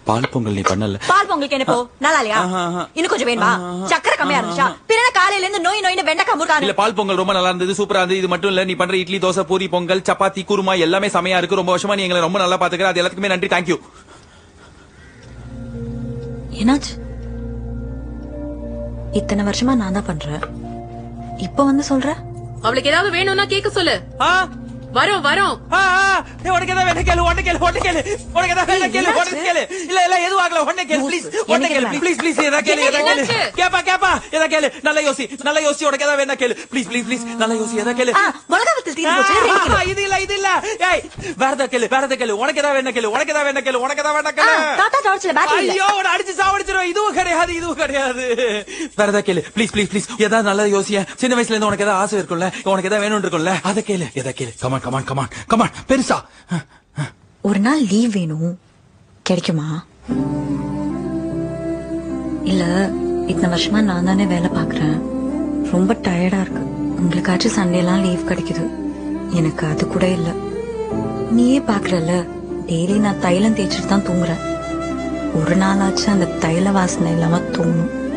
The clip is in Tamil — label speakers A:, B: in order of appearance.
A: பால் பொங்கல் நீ பண்ணல.
B: பால் பொங்கலுக்கு என்ன போ நல்லா இல்லையா? இன்னும் கொஞ்சம் வேணுமா? சக்கரை கம்மியா இருந்துச்சா? பின்ன காலையில இருந்து நோய் நோயின்னு வெண்டைக்காய் முருகானு.
A: இல்ல பால் பொங்கல் ரொம்ப நல்லா இருந்தது, சூப்பரா இருந்தது. இது மட்டும் இல்ல, நீ பண்ற இட்லி, தோசை, பூரி, பொங்கல், சப்பாத்தி, குருமா எல்லாமே செமையா இருக்கு. ரொம்ப வருஷமா நீ எங்களை ரொம்ப நல்லா பாத்துக்கிற. அது எல்லாத்துக்குமே நன்றி. தேங்க்யூ.
B: என்னாச்சு? இத்தனை வருஷமா நான் தான் பண்றேன், இப்ப வந்து சொல்ற?
C: அவளுக்கு ஏதாவது வேணும்னா கேட்க சொல்லு. வரோம் வரோம்.
A: உனக்கு ஏதாவது வேணா கேளு, உடனே கேளு, உடனே கேளு. உனக்கு ஏதாவது வேணா கேளு, உடனே கேளு. இல்ல இல்ல எதுவும் ஆகல, உடனே கேளு ப்ளீஸ். உடனே கேளு ப்ளீஸ் ப்ளீஸ். ஏதா கேளு, ஏதா கேளு. கேப்பா கேப்பா, ஏதா கேளு. நல்லா யோசி, நல்லா யோசி. உனக்கு ஏதாவது வேணா கேளு ப்ளீஸ் ப்ளீஸ் ப்ளீஸ். நல்லா யோசி, ஏதா கேளு.
B: மிளகாவத்தில் தீந்து போச்சு.
A: இது இல்ல இது இல்ல. ஏய் வேற ஏதா கேளு, வேற ஏதா கேளு. உனக்கு ஏதாவது வேணா கேளு, உனக்கு ஏதாவது வேணா கேளு, உனக்கு ஏதாவது வேணா கேளு.
B: தாத்தா டார்ச்ல பேட்டரி இல்ல.
A: ஐயோ உன்னை அடிச்சு சாவடிச்சிரும். இதுவும் கிடையாது, இதுவும் கிடையாது. வேற ஏதா கேளு ப்ளீஸ் ப்ளீஸ் ப்ளீஸ். ஏதாவது நல்லா யோசிய. சின்ன வயசுல இருந்து உனக்கு ஏதாவது ஆசை இருக்கும்ல, உனக்கு ஏதாவது வேணும் இருக்கும்ல, அத கேளு. ஏதா கேளு. Come on come on come on come on. பெருசா
B: ஒரு நாள் லீவ் வேணும், கிடைக்குமா? இல்ல இத்தனை வருஷமா நான் தானே வேலை பாக்குறேன், ரொம்ப டயர்டா இருக்கு. உங்களுக்காச்சும் சண்டே எல்லாம் லீவ் கிடைக்குது, எனக்கு அது கூட இல்ல. நீயே பாக்குறல, டெய்லி நான் தைலம் தேய்ச்சிட்டு தான் தூங்குறேன். ஒரு நாளாச்சும் அந்த தைல வாசனை இல்லாம தூங்கும்.